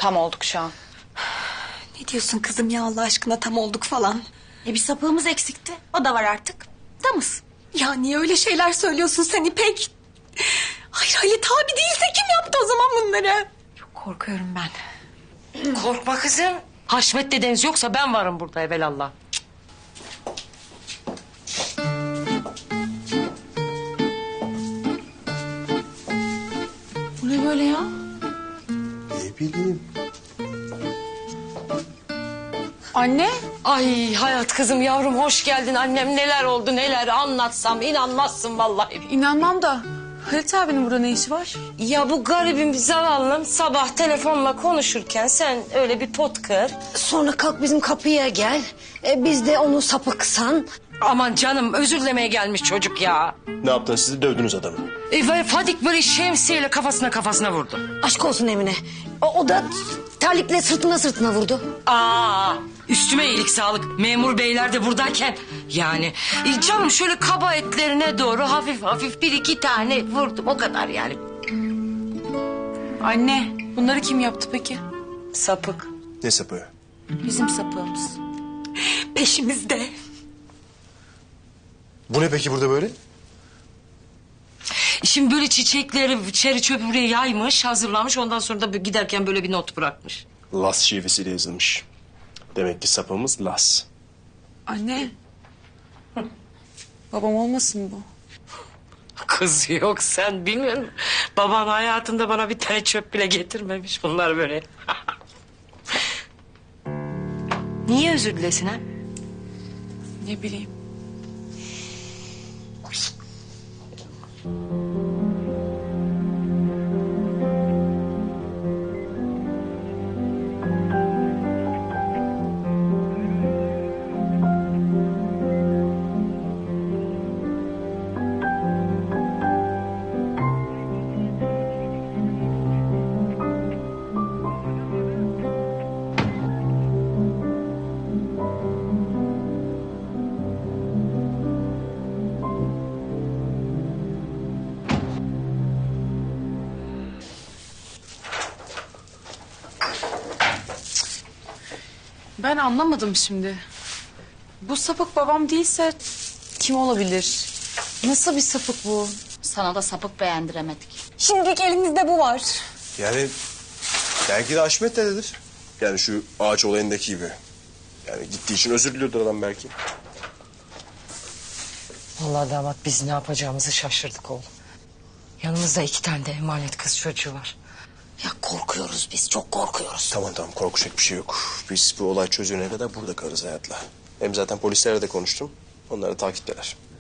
Tam olduk şu an. Ne diyorsun kızım ya Allah aşkına tam olduk falan. Bir sapığımız eksikti. O da var artık. Tamız. Ya niye öyle şeyler söylüyorsun sen İpek? Hayır Halit abi değilse kim yaptı o zaman bunları? Çok korkuyorum ben. Korkma kızım. Haşmet dedeniz yoksa ben varım burada evelallah. Bu ne böyle ya? Ne bileyim. Anne. Ay hayat kızım yavrum hoş geldin. Annem neler oldu neler anlatsam inanmazsın vallahi. İnanmam da Halit abinin burada ne işi var? Ya bu garibim zavallım sabah telefonla konuşurken sen öyle bir pot kır. Sonra kalk bizim kapıya gel. Biz de onu sapıksan. Aman canım özür dilemeye gelmiş çocuk ya. Ne yaptınız siz de dövdünüz adamı. Fadik böyle şemsiyeyle kafasına vurdu. Aşk olsun Emine. O da terlikle sırtına vurdu. Aa, üstüme iyilik sağlık. Memur beyler de buradayken yani canım şöyle kaba etlerine doğru hafif hafif bir iki tane vurdum o kadar yani. Anne bunları kim yaptı peki? Sapık. Ne sapığı? Bizim sapığımız. Peşimizde. Bu ne peki burada böyle? Şimdi böyle çiçekleri çeri çöpü buraya yaymış hazırlamış ondan sonra da giderken böyle bir not bırakmış. Las şivesiyle yazılmış. Demek ki sapımız Las. Anne. Babam olmasın bu? Kız yok sen bilmiyor musun? Baban hayatında bana bir tane çöp bile getirmemiş bunlar böyle. Niye özür dilesin ha? Ne bileyim. Ben anlamadım şimdi. Bu sapık babam değilse kim olabilir? Nasıl bir sapık bu? Sana da sapık beğendiremedik. Şimdilik elimizde bu var. Yani belki de Haşmet dededir. Yani şu ağaç olayındaki gibi. Yani gittiği için özür diliyordur adam belki. Vallahi damat biz ne yapacağımızı şaşırdık oğlum. Yanımızda 2 tane de emanet kız çocuğu var. Ya korkuyoruz biz, çok korkuyoruz. Tamam korkacak bir şey yok. Biz bu olay çözülene kadar burada kalırız hayatla. Hem zaten polislerle de konuştum. Onlar da takipteler.